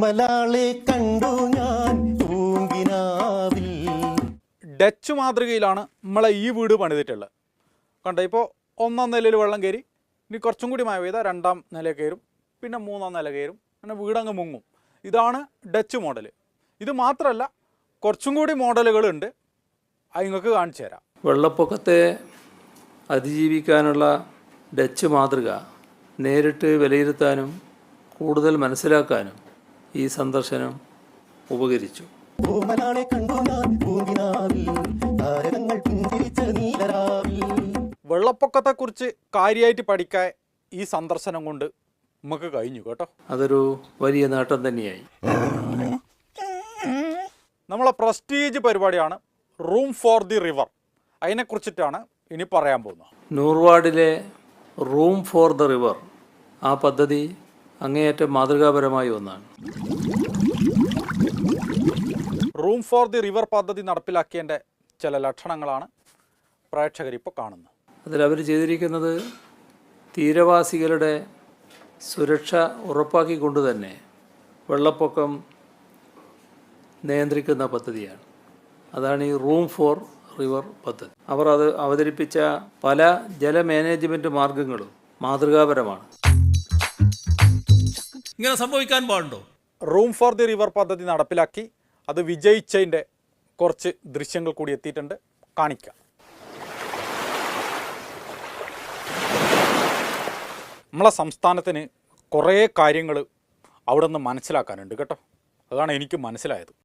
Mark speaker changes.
Speaker 1: ഓമലാളെ കണ്ടു ഞാൻ പൂങ്കിനാവിൽ.
Speaker 2: ഡച്ച് മാതൃകയിലാണ് നമ്മളെ ഈ വീട് പണിതിട്ടുള്ളത്. കണ്ടോ, ഇപ്പോൾ 1ാം നിലയിൽ വെള്ളം കയറി, ഇനി കുറച്ചും കൂടി മഴ പെയ്താൽ 2ാം നില കയറും, പിന്നെ 3ാം നില കയറും, അങ്ങനെ വീടങ്ങ് മുങ്ങും. ഇതാണ് ഡച്ച് മോഡൽ. ഇത് മാത്രമല്ല, കുറച്ചും കൂടി മോഡലുകളുണ്ട്, അത് നിങ്ങൾക്ക് കാണിച്ചു തരാം.
Speaker 3: വെള്ളപ്പൊക്കത്തെ അതിജീവിക്കാനുള്ള ഡച്ച് മാതൃക നേരിട്ട് വിലയിരുത്താനും കൂടുതൽ മനസ്സിലാക്കാനും ഈ സന്ദർശനം ഉപകരിച്ചു.
Speaker 2: വെള്ളപ്പൊക്കത്തെക്കുറിച്ച് കാര്യമായിട്ട് പഠിക്കാൻ ഈ സന്ദർശനം കൊണ്ട് നമുക്ക് കഴിഞ്ഞു കേട്ടോ.
Speaker 3: അതൊരു വലിയ നേട്ടം തന്നെയായി.
Speaker 2: നമ്മളെ പ്രസ്റ്റീജ് പരിപാടിയാണ് റൂം ഫോർ ദി റിവർ. അതിനെക്കുറിച്ചിട്ടാണ് ഇനി പറയാൻ പോകുന്നത്.
Speaker 3: നൂർവാഡിലെ റൂം ഫോർ ദ റിവർ ആ പദ്ധതി അങ്ങേയറ്റം മാതൃകാപരമായ ഒന്നാണ്.
Speaker 2: റൂം ഫോർ ദി റിവർ പദ്ധതി നടപ്പിലാക്കിയതിൻ്റെ ചില ലക്ഷണങ്ങളാണ് പ്രേക്ഷകരിപ്പോൾ കാണുന്നത്.
Speaker 3: അതിലവർ ചെയ്തിരിക്കുന്നത് തീരവാസികളുടെ സുരക്ഷ ഉറപ്പാക്കിക്കൊണ്ട് തന്നെ വെള്ളപ്പൊക്കം നിയന്ത്രിക്കുന്ന പദ്ധതിയാണ്. അതാണ് ഈ റൂം ഫോർ റിവർ പദ്ധതി. അവർ അത് അവതരിപ്പിച്ച പല ജല മാനേജ്മെൻറ്റ് മാർഗങ്ങളും മാതൃകാപരമാണ്.
Speaker 4: ഇങ്ങനെ സംഭവിക്കാൻ പാടുണ്ടോ?
Speaker 2: റൂം ഫോർ ദി റിവർ പദ്ധതി നടപ്പിലാക്കി അത് വിജയിച്ചതിൻ്റെ കുറച്ച് ദൃശ്യങ്ങൾ കൂടി എത്തിയിട്ടുണ്ട്, കാണിക്കാം. നമ്മളെ സംസ്ഥാനത്തിന് കുറേ കാര്യങ്ങൾ അവിടെ നിന്ന് മനസ്സിലാക്കാനുണ്ട് കേട്ടോ. അതാണ് എനിക്ക് മനസ്സിലായത്.